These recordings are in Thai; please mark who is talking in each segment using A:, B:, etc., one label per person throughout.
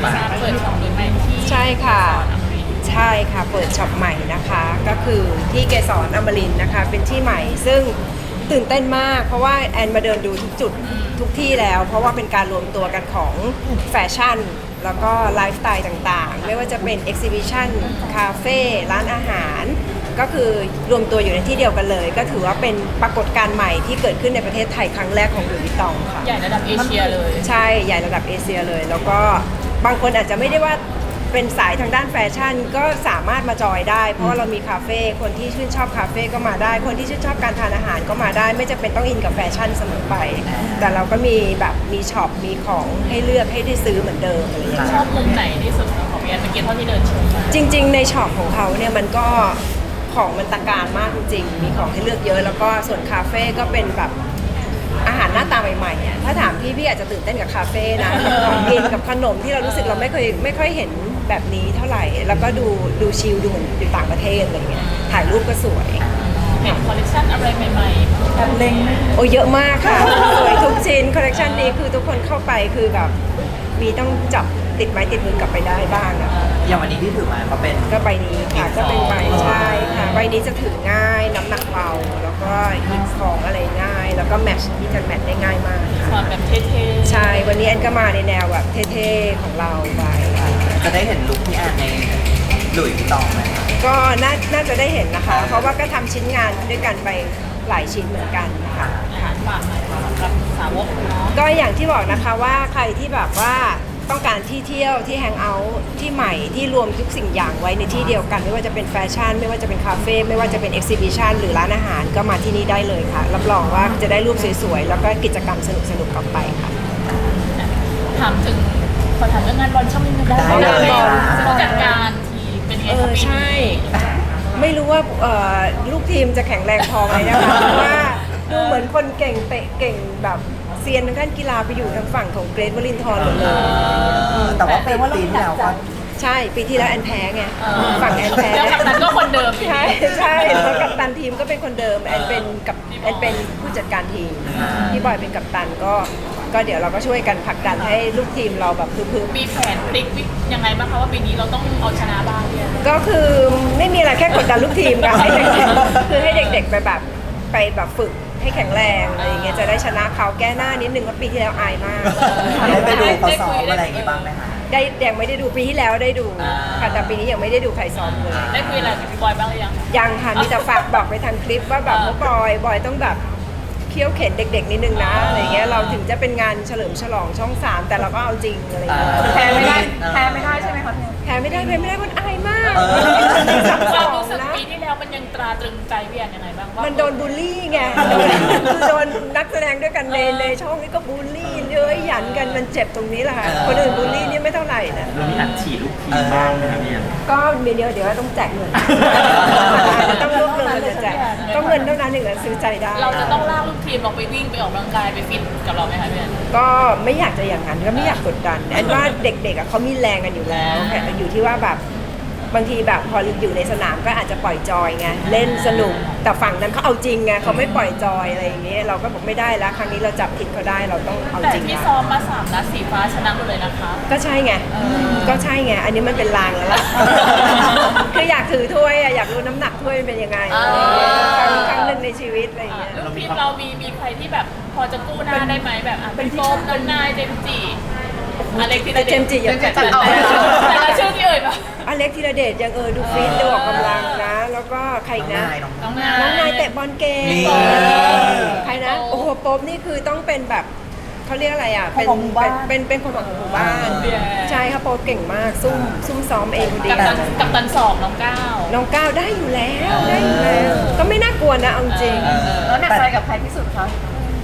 A: เปิดช็อปใหม่ที่
B: ใช่ค่ะใช่ค่ะเปิดช็อปใหม่นะคะก็คือที่เกสรอมรินทร์นะคะเป็นที่ใหม่ซึ่งตื่นเต้นมากเพราะว่าแอนมาเดินดูทุกจุดทุกที่แล้วเพราะว่าเป็นการรวมตัวกันของแฟชั่นแล้วก็ไลฟ์สไตล์ต่างๆไม่ว่าจะเป็นเอ็กซิบิชันคาเฟ่ร้านอาหารก็คือรวมตัวอยู่ในที่เดียวกันเลยก็ถือว่าเป็นปรากฏการณ์ใหม่ที่เกิดขึ้นในประเทศไทยครั้งแรกของหลุยส์วิตตองค่ะ
A: ใหญ่ระดับเอเชียเลย
B: ใช่ใหญ่ระดับเอเชียเลยแล้วก็บางคนอาจจะไม่ได้ว่าเป็นสายทางด้านแฟชั่นก็สามารถมาจอยได้เพราะว่าเรามีคาเฟ่คนที่ชื่นชอบคาเฟ่ก็มาได้คนที่ชื่นชอบการทานอาหารก็มาได้ไม่จำเป็นต้องอินกับแฟชั่นเสมอไปแต่เราก็มีแบบมีช็อปมีของให้เลือกให้ได้ซื้อเหมือนเดิมอะไรอย่างเงี้ย
A: ชอบมุมไหนที่สุดของพี่แอนเมื่อกี้เท่าที่เดินชมมา
B: จริงๆในช็อปของเขาเนี่ยมันก็ของมันตะการมากจริงๆมีของให้เลือกเยอะแล้วก็ส่วนคาเฟ่ก็เป็นแบบอาหารหน้าตาใหม่ๆอ่ะถ้าถามพี่อาจจะตื่นเต้นกับคาเฟ่นะของกินกับขนมที่เรารู้สึกเราไม่ค่อยเห็นแบบนี้เท่าไหร่แล้วก็ดูชิลดูเหมือนอยู่ต่างประเทศอะไรเงี้ยถ่ายรูปก็สวย
A: เห็นคอลเลคชันอะไรใหม่ๆแบบเล็ง
B: โอ้เยอะมากค่ะสวยทุกชิ้นคอลเลคชันนี้คือทุกคนเข้าไปคือแบบมีต้องจับติดไม้ติดมือกลับไปได้บ้างอะ
C: อย่างวันนี้ที่ถือมาก็
B: ใบนี้ค่ะก็เป็นใบใช่ค่ะใบนี้จะถือง่ายน้ำหนักเบาแล้วก็หยิบของอะไรง่ายแล้วก็แมทช์ที่จะแมทช์ได้ง่ายมากค่ะ
A: แบบเท่ๆ
B: ใช่วันนี้แอนก็มาในแนวแบบเท่ๆของเราไป
C: จะได้เห็นลุคพี่แอนในหลุยส์วิตตองไหม
B: ก็น่าจะได้เห็นนะคะเพราะว่าก็ทำชิ้นงานด้วยกันไปหลายชิ้นเหมือนกันค่ะ
A: ฝากหน่อยสำหรับสาวกเนาะ
B: ก็อย่างที่บอกนะคะว่าใครที่แบบว่าต้องการที่เที่ยวที่แฮงเอาท์ที่ใหม่ที่รวมทุกสิ่งอย่างไว้ในที่เดียวกันไม่ว่าจะเป็นแฟชั่นไม่ว่าจะเป็นคาเฟ่ไม่ว่าจะเป็นเอ็กซิบิชันหรือร้านอาหารก็มาที่นี่ได้เลยค่ะรับรองว่าจะได้รูปสวยๆแล้วก็กิจกรรมสนุกๆกลับไปค่ะ
A: ถามถึงขอถามเรื่องงานบอลช่องนี้ได้
C: งานบอล
A: ผู้จัดการทีมเป็นไงครับ
B: ใช่ไม่รู้ว่าลูกทีมจะแข็งแรงพอไหมนะคะเพราะว่าดูเหมือนคนเก่งเตะเก่งแบบเซียนทางด้านกีฬาไปอยู่ทางฝั่งของเกรทวลินทร์หมดเลย
C: แต่ว่าปีที่แล้วก็
B: ใช่ปีที่แล้วแอนแพ้ไงฝั่งแอนแพ้
A: แล้วกัปตันก็คนเดิม
B: ใช่แล้วกัปตันทีมก็เป็นคนเดิมแอนเป็นผู้จัดการทีมพี่บอยเป็นกัปตันก็เดี๋ยวเราก็ช่วยกันผลักดันให้ลูกทีมเราแบบคือ
A: มีแผนพลิกยังไงบ้างคะว่าปีนี้เราต้องเอาชนะบ้างเนี่ย
B: ก็คือไม่มีอะไรแค่กดดันลูกทีมค่ะให้เด็กคือให้เด็กๆไปแบบฝึกให้แข็งแรงอะไรอย่างเงี้ยจะได้ชนะเขาแก้หน้านิดนึงว่าปีที่แล้วอายมาก
C: ได้ไปดูเขาซ้อมอะไรอย่างงี้บ้างไหมคะ
B: ได้ยังไม่ได้ดูปีที่แล้วได้ดูค่ะแต่ปีนี้ยังไม่ได้ดูใครซ้อมเลย
A: ได้คุยอะไรกับพี่บอยบ้างหรือ
B: ยังค่ะมีแต่ฝากบอกไปทางคลิปว่าแบบว่าบอยต้องแบบเคี่ยวเข็นเด็กๆนิดนึงนะอะไรเงี้ยเราถึงจะเป็นงานเฉลิมฉลองช่อง3แต่เราก็เอาจริงอะไรเงี้ย
A: แพ้ไม่ได้ใช่ไหมคะ
B: แพ้ไม่ได้คนอายมาก
A: ความรู้สึกปีที่แล้วมันยังตราตรึงใจพี่แอนยังไงบ้างว่า
B: มันโดนบูลลี่ไงคือโดนนักแสดงด้วยกันในช่องนี้ก็บูลลี่เย้ยหยันกันมันเจ็บตรงนี้แหละค่ะคนอื่นบูลลี่นี่ไม่เท่าไหร่นะ
D: เรามีอัดฉีดลูกทีมบ้างไหมครับพี่
B: ก็มีเดี๋ยวต้องแจกเงินต้องรวบรวมเงินจะแจกต้องเงินเท่านั้นถึงจะซื้อใจได้
A: เราจะต้องลากลูกทีมเราไปวิ่งไปออกกำลังกายไปฟิตกับเราไหมคะพี่แอน
B: ก็ไม่อยากจะอย่างนั้นก็ไม่อยากกดดันแอนว่าเด็กๆเขามีแรงกันอยู่แล้วแต่อยู่ที่ว่าแบบบางทีแบบพออยู่ในสนามก็อาจจะปล่อยจอยไงเล่นสนุกแต่ฝั่งนั้นเขาเอาจริงไงเขาไม่ปล่อยจอยอะไรอย่างเงี้ยเราก็บอกไม่ได้แล้วครั้งนี้เราจับผิดเขาได้เราต้องเอาจริง
A: แต่ที่ซ้อมมา3 นัดสีฟ้าชนะหมดเลยนะคะ
B: ก็ใช่ไงอันนี้มันเป็นลางแล้วล่ะคืออยากถือถ้วยอยากรู้น้ำหนักถ้วยเป็นยังไงครั้งหนึ่งในชีวิตอะไรอย่างเงี้ย
A: ลูกทีมเรามีใครที่แบบพอจะกู้หน้าได้ไหมแบบเป็นโฟมน้ำนายเจมจีอเล็กธีรเดช
B: เจมจียัง
A: แต่ละชื่อที่เอ่ยมา
B: อเล็กธีรเดชยังดูฟิตดูออกกำลังนะแล้วก็ใครนะน้องนายเตะบอลเก่งใครนะโอ้โหโป๊บนี่คือต้องเป็นแบบเขาเรียกอะไรอ่ะเป็นคนของหมู่บ้านใช่ค่ะโป๊บเก่งมากซุ่มซ้อมเองดี
A: กับตันสองน้องก้าว
B: ได้อยู่แล้วก็ไม่น่ากลัวนะเอาจริง
A: แล้วหนักใจกับใครที่สุดคะ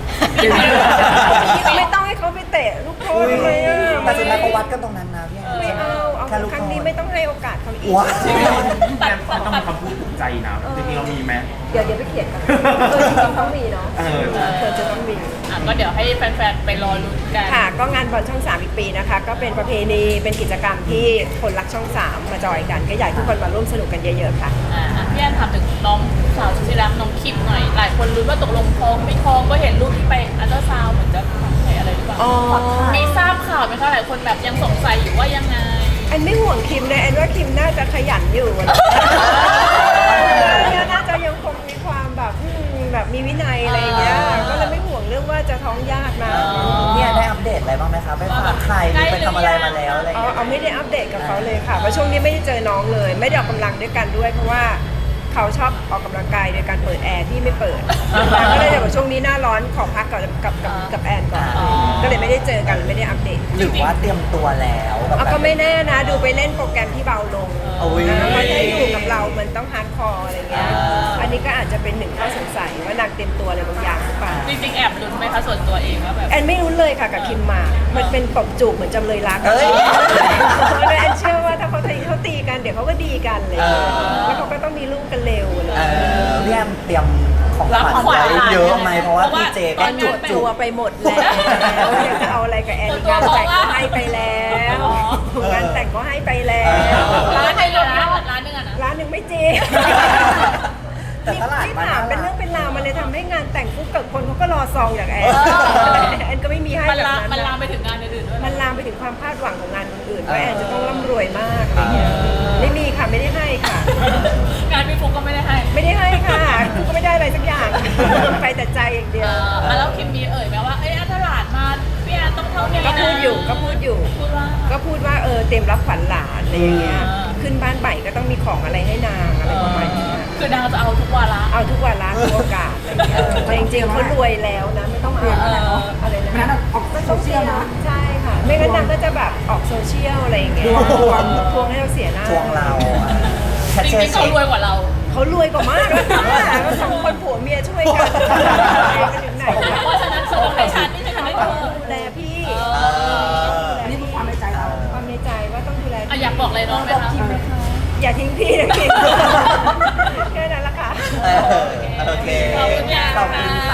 B: ไม่ต้องให้เขาไปเตะลูกโทษเลย
C: แต่สุดท้ายเขาวัดกันตรงนั้นนะพี่
B: ไม่เอาครั้งนี้ไม่ต้องให้โอกาสเขาอีก
D: มันต้องมีคำพูดถูกใจนะจริงๆเรามีไหม
B: เดี๋ยวไปเขียนกันจริงๆต้องมีเนาะจะต้องมี
A: ก็เดี๋ยวให้แฟนๆไปรอลุ้นกัน
B: ค่ะก็งานบอลช่อง3อีกปีนะคะก็เป็นประเพณีเป็นกิจกรรมที่คนรักช่อง3มาจอยกันก็อยากทุกคนมาร่วมสนุกกันเยอะๆค่ะ
A: พี่แอนถามถึงน้องสาวสุดที่รักน้องคิมหน่อยหลายคนรู้ว่าตกลงท้องไม่ท้องก็เห็นรูปที่ไปอัลตราซาวด์เหมือนจะอะไรหรือเปล่ามีทราบข่าวไหมคะหลายคนแบบยังสงสัยอยู่ว่ายังไง
B: แอนไม่ห่วงคิมนะแอนว่าคิมน่าจะขยันอยู่น่าจะยังคงมีความแบบแบบมีวินัยอะไรอย่างเงี้ยก็เลยไม่ห่วงเรื่องว่าจะท้องยากนะ
C: เนี่ยได้อัปเดตอะไรบ้างไหมคะไปฝากไข่หรือไปทำอะไรมาแล้วอะไรอย่างเงี้ย
B: เอาไม่ได้อัปเดตกับเขาเลยค่ะเพราะช่วงนี้ไม่ได้เจอน้องเลย ไม่ได้ออกกำลังด้วยกันด้วยเพราะว่าเขาชอบออกกำลังกายโดยการเปิดแอร์ที่ไม่เปิดก็เลยแบบช่วงนี้หน้าร้อนขอพักก่อนกับแอนก่อนก็เลยไม่ได้เจอกันไม่ได้อัปเดต
C: หรือว่าเตรียมตัวแล้วแบบ
B: เอาก็ไม่แน่นะดูไปเล่นโปรแกรมที่เบาลง
C: โอ้ย
B: นะเพราะถ้าอยู่กับเรามันต้องฮาร์ดคอร์อะไรเงี้ยอันนี้ก็อาจจะเป็นหนึ่งข้อสงสัยว่านางเตรียมตัวอะไรบางอย่างหรือเปล่า
A: จริงๆแอบลุ้นไหมคะส่วนตัวเองว่าแบบ
B: แอนไม่รู้เลยค่ะกับคิมมามันเป็นตบจูบเหมือนจำเลยรัก
C: เอ้ย
B: แอนเชื่อว่าถ้าเขาตีกันเดี๋ยวเขาก็ดีกันเลยแล้วเขาก็ต้องมีลูกกันเร็วเลย
C: พี่แอมเตรียมของขวัญไว้เยอะไหมเพราะว่าพี่เจก็จุด
B: ตัวไปหมดแล้วอยากจะเอาอะไรกับแอนงานแต่งก็ให้ไปแล้วงานแต่งก็ให้ไปแล้ว
A: ร้านให้ลงยอดร้านหนึงอะนะ
B: ร้านหนึ่งไม่จริง
C: แต่ตลาด
B: ที่
C: มัน
B: ถามเป็นเรื่องเป็นราวมันเลยทำให้งานแต่งปุ๊บเกิดคนเขาก็รอซองจากแอนแอนก็ไม่มีให้
A: มัน
B: แบบ
A: ลาม
B: นั้น
A: มันลาม
B: นะ
A: ไปถึงงานอื่นๆด้วย
B: มันลามไปถึงความคาดหวังของงานคนอื่นว่าแอนจะต้องร่ำรวยมากอะไรเงี้ยไม่มีค่ะไม่ได้ให้ค่ะ
A: งานพี่ฟุกก็ไม่ได้ให้
B: ไม่ได้ให้ค่ะก็ไม่ได้อะไรสักอย่างไปแต่ใจอย่างเดียว
A: แล้วคิมมีไหมว่าเอ้ยถ้าหลานมาพี่แอนต้องเท่านี้นะ
B: ก็พูดอยู่
A: พูดว่า
B: ก็พูดว่าเตรียมรับขวัญหลานอะไรอย่างเงี้ย
A: อ่า
B: ขึ้นบ้านใหม่ก็ต้องมีของอะไรให้นางอะไรประมาณนี้
A: คือนางจะเอาทุกวาระ
B: เอาทุกวันละทุกโอกาสอะไรอย่างเงี้ยแต่จริงๆเขารวยแล้วนะไม่ต้องเอาอะไรนะ
E: งั้นออกโซเชียลนะ
B: ใช่ค่ะไม่งั้นนางก็จะแบบออกโซเชียลอะไรอย่างเงี้ยทวงให้เราเสียหน้า
C: ทวงเราแคช
A: จ
C: เชีย
A: ริงๆเขา
C: ร์เช็ค
A: รวยกว่าเรา
B: เขารวยกว่ามากแล้วค่ะก็สองคนผัวเมียช่วยกันไปถึงไหน
A: เพราะฉะนั้นเขาต้องให้ฉันไม่ใช่ฉันให้เธอ
B: ดูแลพี่
E: นี่คือความในใจเรา
B: ความในใจว่าต้องดูแล
A: อยากบอกอะไรน้องไหมคะ
B: อย่าทิ้งพี่นะคิมแค่นั้นละค่ะ
C: โอเค
A: ขอบคุณค่ะ
C: ขอบคุณ